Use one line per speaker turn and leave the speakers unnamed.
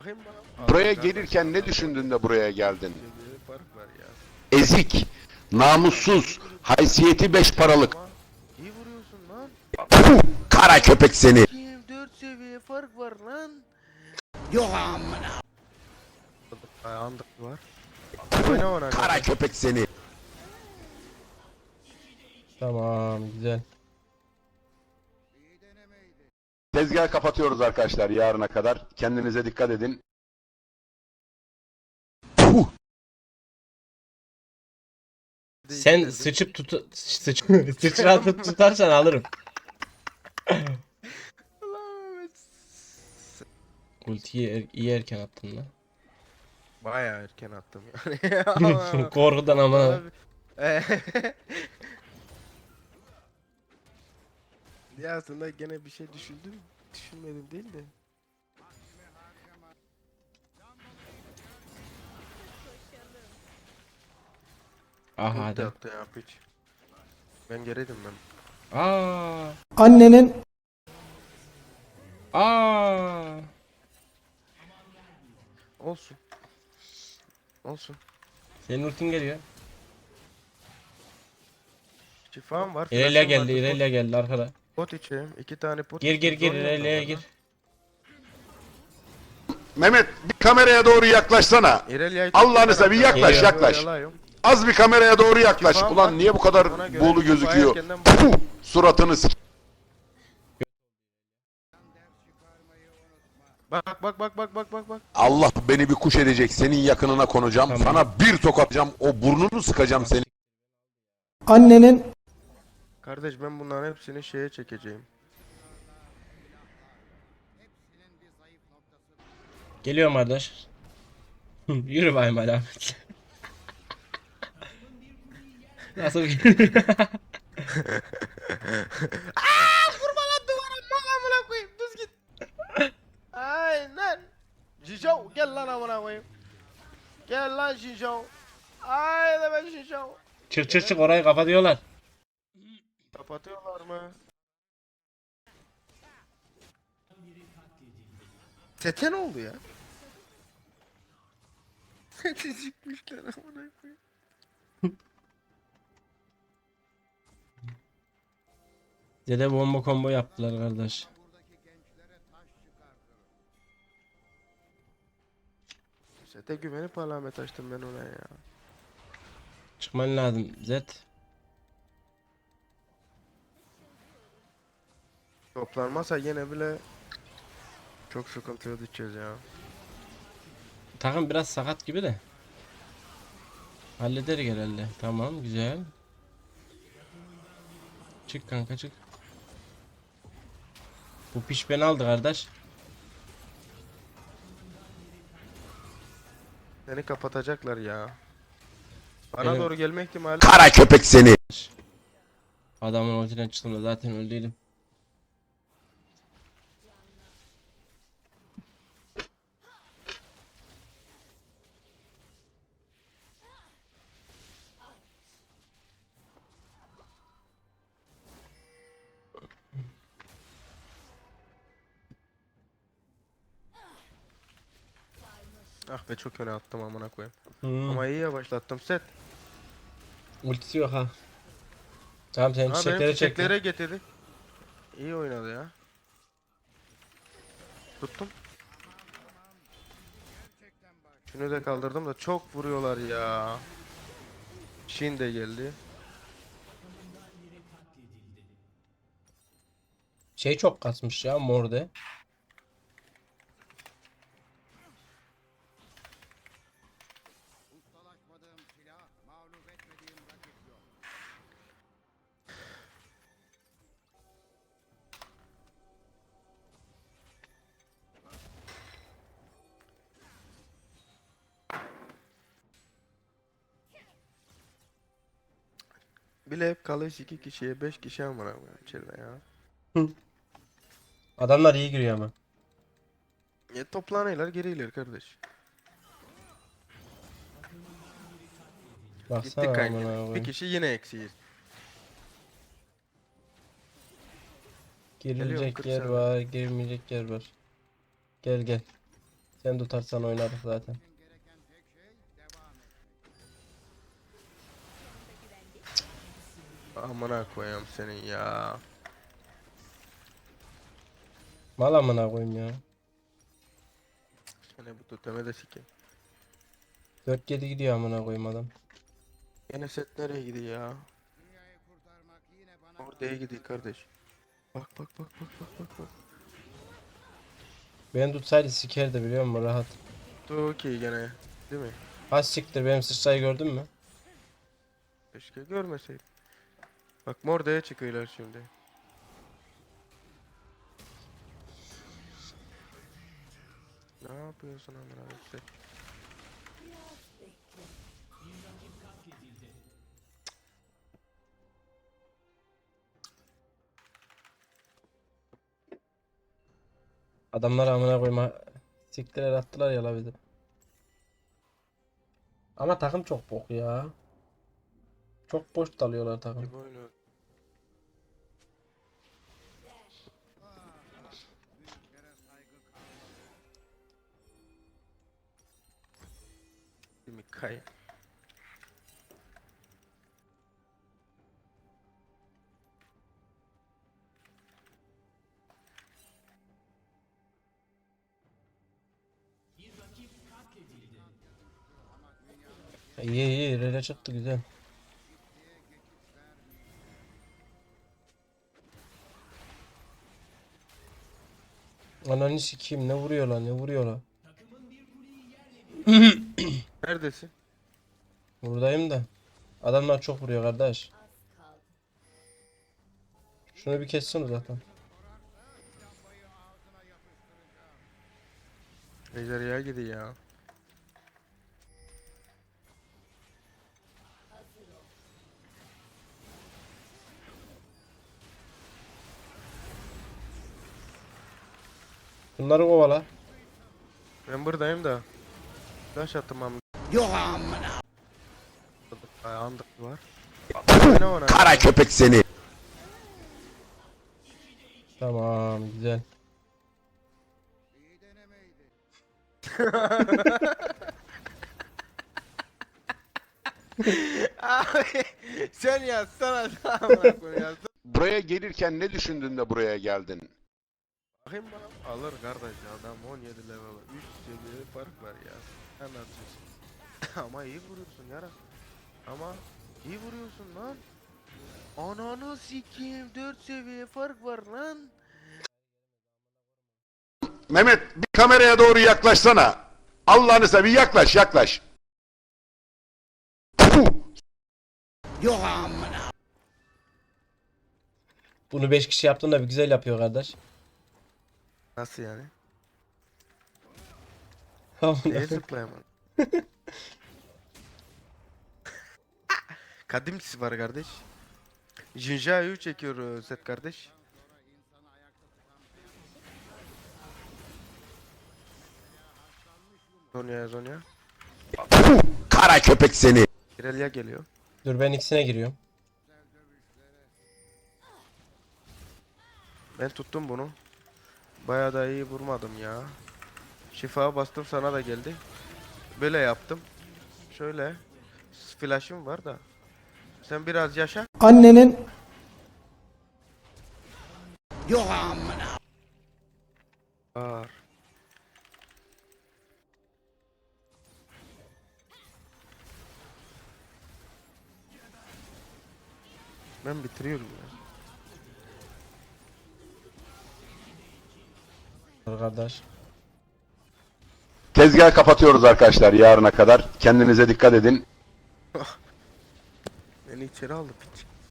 Buraya gelirken ne düşündün de buraya geldin?
Fark var ya.
Ezik, namussuz, haysiyeti 5 paralık.
İyi vuruyorsun lan.
Puh, kara köpek seni.
Kim 4 seviye fark var lan. Ayağında var. Oyna ona
Kara
göre.
köpek seni.
Tamam, güzel.
Tezgahı kapatıyoruz arkadaşlar yarına kadar. Kendinize dikkat edin. Puh.
Sen sıçıp sıçratıp tutarsan alırım. Ultiyi iyi erken attın lan.
Bayağı erken attım yani.
Korkudan ama.
Abi. Ya aslında gene bir şey düşündüm. Düşünmedim değil de.
Aha
Ulti
hadi.
attı ya piç. Ben geriydim ben.
Aa.
Annenin
Aa.
Olsun. Olsun.
Senin ultin geliyor.
Şifam var.
İrelia
flash'ım
geldi,
vardı,
İrelia geldi arkada.
pot içeyim. 2 tane pot
Gir
içeyim,
gir
zor
İrelia'ya
yandım
gir.
valla.
Mehmet bir kameraya doğru yaklaşsana.
İrelia'yı
Allah'ını seveyim yaklaş
Geliyor.
yaklaş. Az bir kameraya doğru yaklaş.
Şifam
Ulan
var.
niye bu kadar
Ona göre
buğulu
şifa
gözüküyor?
erkenden
Puh, suratını s-
Bak bak bak bak bak bak bak.
Allah beni bir kuş edecek. Senin yakınına konacağım.
Tamam.
Sana bir tokatacağım. O burnunu sıkacağım seni.
annenin
Kardeş ben bunların hepsini şeye çekeceğim.
Geliyorum kardeş. Yürü bayım alamet. Nasıl
Vurma lan duvara bak amına koyayım düz git. Aynen. Jinjo gel lan amına koyayım. Gel lan Jinjo. Haydi ben Jinjo.
Çık çık çık orayı kapatıyorlar.
Kapatıyorlar mı? Sete ne oldu ya? Sete çıkmışlar amına koyayım.
Dede bomba combo yaptılar kardeş.
Sete güvenip alamet açtım ben ona ya.
Çıkman lazım Zed.
Toplanmasa yine bile çok sıkıntıya düşeceğiz ya.
Takım biraz sakat gibi de. Halleder herhalde. Tamam güzel. Çık kanka çık. Bu piş beni aldı kardeş.
Seni kapatacaklar ya. Bana
Benim-
doğru gelme ihtimali.
Kara köpek seni.
Adamın ultiden çıktım da zaten öldüydüm.
Ah be çok öne attım amına koyayım.
Hmm.
Ama iyi yavaşlattım set.
Ultisi yok ha. Tamam sen
Ha benim
çiçekleri çek.
çiçeklere getirdi. İyi oynadı ya. Tuttum. Şunu da kaldırdım da çok vuruyorlar ya. Shin de geldi.
Şey çok kasmış ya morde.
Bile hep kalış 2 kişiye 5 kişi amına koyayım içeride ya.
Adamlar iyi giriyor ama.
Toplanıyorlar geriler kardeş.
Baksana
Gittik kanka.
amına
Bir
koyayım.
kişi yine eksiyiz. Geliyorum,
Girilecek
40
yer
saniye.
var, girmeyecek yer var. Gel gel. Sen tutarsan oynarız zaten.
Amına koyayım senin ya.
Mal amına koyayım ya.
Seni bu tuteme de sikeyim.
4-7 gidiyor amına koyayım adam.
Yine set nereye gidiyor ya? Oraya gidiyor kardeş. Bak bak bak bak bak bak bak.
Ben tutsaydı sikerdi biliyor musun rahat.
Okey gene. Değil mi?
Ha siktir benim sıçrayı gördün mü?
Keşke görmeseydim. Bak Morde'ye çıkıyorlar şimdi. Ne yapıyorsun amına koyayım sen?
Adamlar amına koyma siktiler attılar ya la bizi. Ama takım çok bok ya. Çok boş dalıyorlar takım.
Kim oynuyor? Değil mi? Kay.
İyi iyi rele çıktı güzel. Ananı sikeyim ne vuruyorlar ne vuruyorlar.
Neredesin?
Buradayım da. Adamlar çok vuruyor kardeş. Şunu bir kessene zaten.
Ejderha gidiyor ya.
Bunları kovala.
Ben buradayım da. Flash attım am. Yok amına. Ayağında var. Ne ona?
Kara köpek seni.
Tamam güzel.
Abi sen yazsana amına koyayım yazsana.
Buraya gelirken ne düşündün de buraya geldin?
Bakayım bana. Alır kardeş adam 17 level 3 seviye fark var ya. Sen atıyorsun. Ama iyi vuruyorsun yara. Ama iyi vuruyorsun lan. Ananı sikeyim 4 seviye fark var lan.
Mehmet bir kameraya doğru yaklaşsana. Allah'ını seveyim yaklaş yaklaş. Puh!
Bunu 5 kişi yaptığında bir güzel yapıyor kardeş.
Nasıl yani?
Amına
Neye zıplayamam? Kadimsi var kardeş. Jinja'yı çekiyor set kardeş. Zonya.
Puh! Kara köpek seni.
Irelia geliyor.
Dur ben ikisine giriyorum.
Ben tuttum bunu. Bayağı da iyi vurmadım ya. Şifa bastım sana da geldi. Böyle yaptım. Şöyle. Flash'ım var da. Sen biraz yaşa.
annenin
Var. Ben bitiriyorum ya.
Kardeş.
Tezgahı kapatıyoruz arkadaşlar yarına kadar. Kendinize dikkat edin.
Beni içeri aldı.